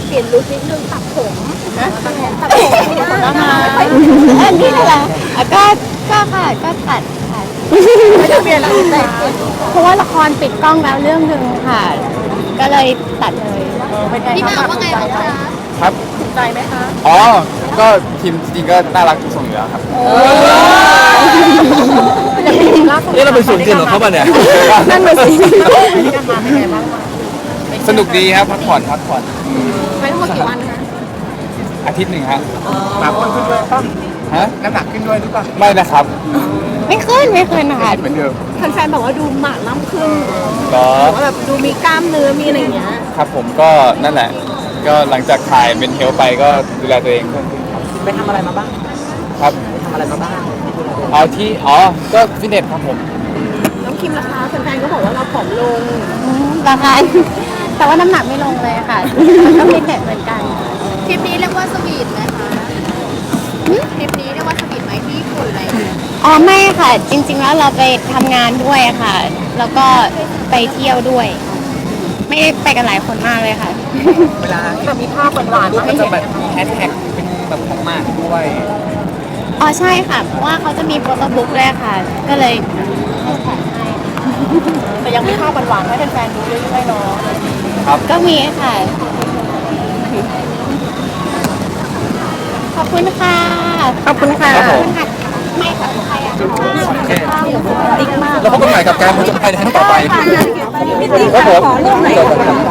เปลี่ยนลุคนิดนึงตัดผมตัดผมก็มาอันนี้แหละก็ค่ะก็ตัดค่ะไม่ได้เปลี่ยนอะไรแต่เพราะว่าละครปิดกล้องแล้วเรื่องหนึ่งค่ะ ก็เลยตัดเลยพี่หมากว่าไงบ้างคะครับถูกใจไหมคะอ๋อ ก็ทีมจริงๆก็น่ารักทุกคนอยู่แล้วครับนี่เราเป็นส่วนเกินของเขาป่ะเนี่ยนั่นเลยสิที่กันมาเป็นไงบ้างสนุกดีครับพักผ่อนไปทั้งหมดกี่วันคะอาทิตย์หนึ่งฮะหนักขึ้นด้วยป่ะฮะน้ำหนักขึ้นด้วยหรือเปล่าไม่นะครับไม่ขึ้นนะคะเหมือนเดิมแฟนๆบอกว่าดูหมากล้ำขึ้นก็ว่าแบบดูมีกล้ามเนื้อมีอะไรอย่างเงี้ยครับผมก็นั่นแหละ ก็หลังจากถ่ายเป็นเฮลไปก็ดูแลตัวเองเพิ่มขึ้นครับไปทำอะไรมาบ้างครับทำอะไรมาบ้างก็ฟิตเนสครับผมน้องคิมราคาแฟนๆก็บอกว่าเราผอมลงราคาแต่ว่าน้ำหนักไม่ลงเลยค่ะก็ฟิตเนสเหมือนกันทริปนี้เรียกว่าสวีทไหมคะทริปนี้เรียกว่าสวีทไหมที่ญี่ปุ่นอะไรอย่างเงี้ยอ๋อไม่ค่ะ จริงๆแล้วเราไปทำงานด้วยค่ะ แล้วก็ไปเที่ยวด้วย ไม่ได้ไปกันหลายคนมากเลยค่ะเวลาแบบมีภาพหวานๆมาให้จะเห็นแบบมีแฮชแท็กเป็นแบบของมากด้วยอ๋อใช่ค่ะ เพราะว่าเขาจะมีโฟโต้บุ๊กด้วยค่ะ ก็เลยให้แท็กให้แต่ยังมีภาพหวานๆให้แฟนๆดูเรื่อยๆเนาะครับก็มีค่ะ ขอบคุณค่ะขอบคุณค่ะครับผมไม่ค่ะใครอ่ะแล้วพบกันใหม่กับการผจญภัยในครั้งต่อไปพี่ติ๊กขอรูปหน่อย